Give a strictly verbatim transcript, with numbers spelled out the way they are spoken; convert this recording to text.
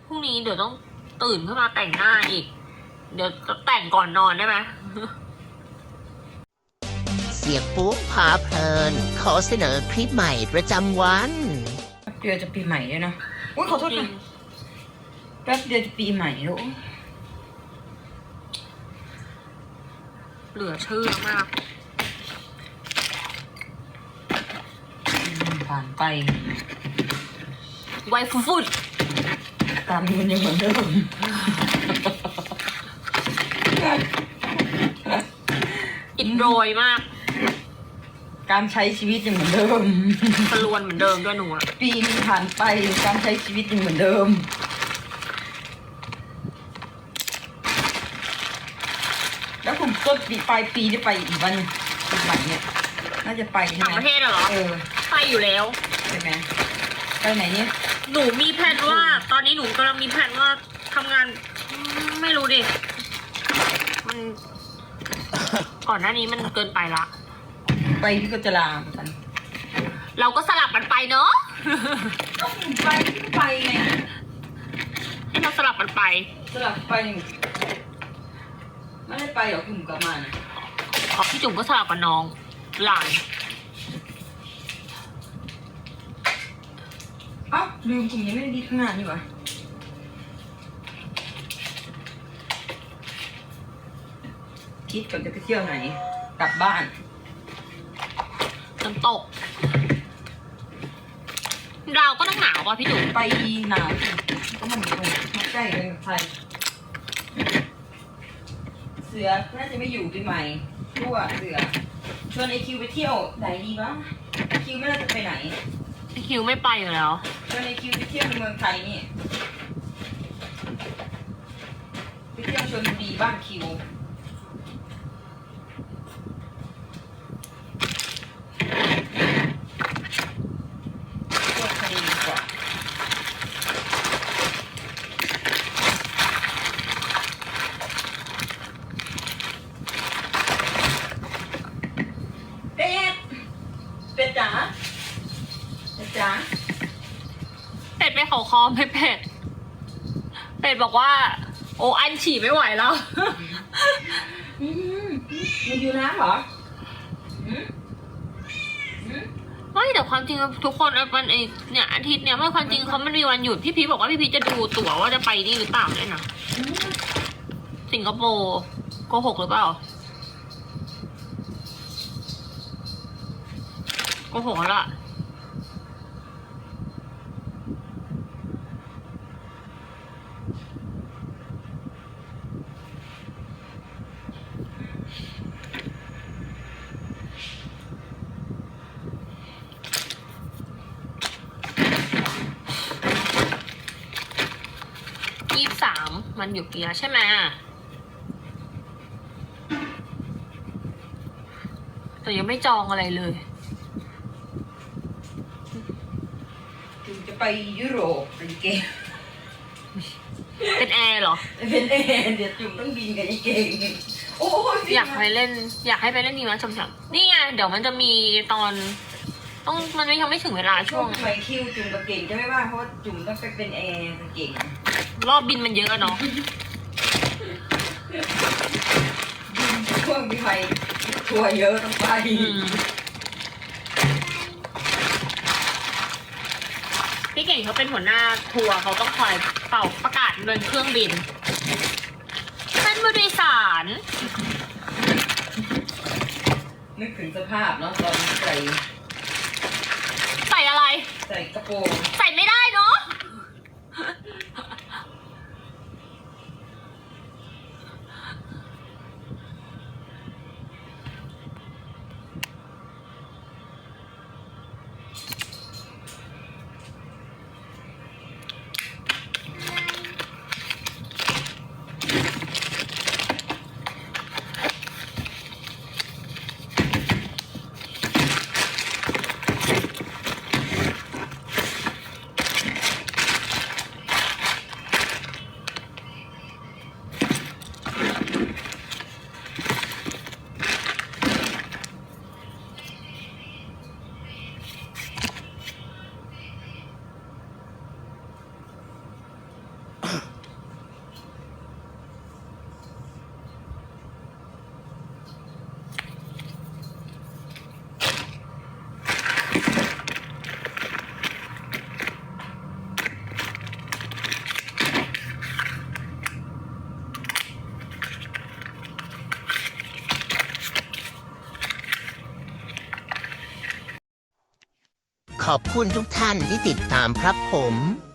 รุ่งนี้เดี๋ยวต้องตื่นขึ้นมาแต่งหน้าอีก เดี๋ยวจะแต่งก่อนนอนได้ไหมเสียงปุ๊บพาเพลิน ขอเสนอคลิปใหม่ประจำวันเดือนจะปีใหม่แล้วนะอุ้ยขอโทษค่ะแป๊บเดียวจะปีใหม่แล้วเหลือเชื่อมากผ่านไปไวฟุฟุดตามมันยังเหมือนเดิมอิดโรยมากการใช้ชีวิตยังเหมือนเดิมตะลวนเหมือนเดิมด้วยหนูอะปีนึงผ่านไปการใช้ชีวิตยังเหมือนเดิม แล้วคุณต้นปีปลายปีได้ไปอีกวันปีใหม่เนี่ยน่าจะไปใช่ต่างไหมประเทศอะเหรอเออไปอยู่แล้วใช่ไหมไปไหนเนี่ยหนูมีแผนว่า ตอนนี้หนูกำลังมีแผนว่าทำงานอืมไม่รู้ดิ มัน ก่อนหน้านี้มันเกินไปละไปพี่ก็จะลาเหมือนกันเราก็สลับกันไปเนาะก็ไปพี่ก็ไปไงให้เราสลับกันไปสลับไปหนึ่งไม่ได้ไปหรอกคุณกลับมานะขอพี่จุ๋มก็สลับกับน้องหลานเอ้าลืมคุณยังไม่ได้ดีข้างหน้านี่หวะคิดก่อนจะไปเที่ยวไหน กลับบ้านน้ำตกเราก็ต้องหนาวป่ะพี่จุ๋มไปหนาวก็มันอยู่ตรงมาใกล้กันกับไทยเสือน่าจะไม่อยู่ปีใหม่ทั่วเสือชวนไอคิวไปเที่ยวไหนดีวะไอคิวไม่น่าจะไปไหนพี่คิวไม่ไปอยู่แล้วชวนไอคิวไปเที่ยวในเมืองไทยนี่ไปเที่ยวชลบุรีบ้านคิวเที่ยวทะเลดีกว่าเป็ดเป็ดจ๋าเป็ดจ๋าเป็ดไปเขาคอไม่เป็ด เป็ดบอกว่า โอ้อันฉี่ไม่ไหวแล้วอืมมีอยู่น้ำเหรออืมอืมไม่แต่ความจริงทุกคนมันไอเนี่ยอาทิตย์เนี่ยไม่ความจริงเขามันมีวันหยุดพี่พีชบอกว่าพี่พีชจะดูตั๋วว่าจะไปนี่หรือเปล่าเนี่ยนะสิงคโปร์โกหกหรือเปล่าโกหกแล้วล่ะยี่สิบสามมันอยู่ปีละใช่ไหมแต่ยังไม่จองอะไรเลยถึงจะไปยุโรปเป็นเกมเป็นแอร์เหรอเป็นเอเดี๋ยวจุ่มต้องบินกับไอ้เก่งโอ้ยอยากไปเล่น อยากให้ไปเล่นดีมั้ยชมชมนี่ไงเดี๋ยวมันจะมีตอน ต้องมันไม่ยังไม่ถึงเวลาช่ช่ววงงสมัยคิวจุ่มกับเก่งจะไม่ว่าเพราะว่าจุ่มต้องไปเป็นแอร์กับเก่งรอบบินมันเยอะอะเนาะช่วงพี่ไทยทัวร์เยอะต้องไปอืมพี่เก่งเขาเป็นหัวหน้าทัวร์เขาต้องคอยเป่าประกาศเดินเครื่องบินเป็นบริษัทนึกถึงสภาพเนาะตอนใส่ใส่อะไรใส่กระโปรงใส่ไม่ได้เนาะอบคุณทุกท่านที่ติดตามครับผม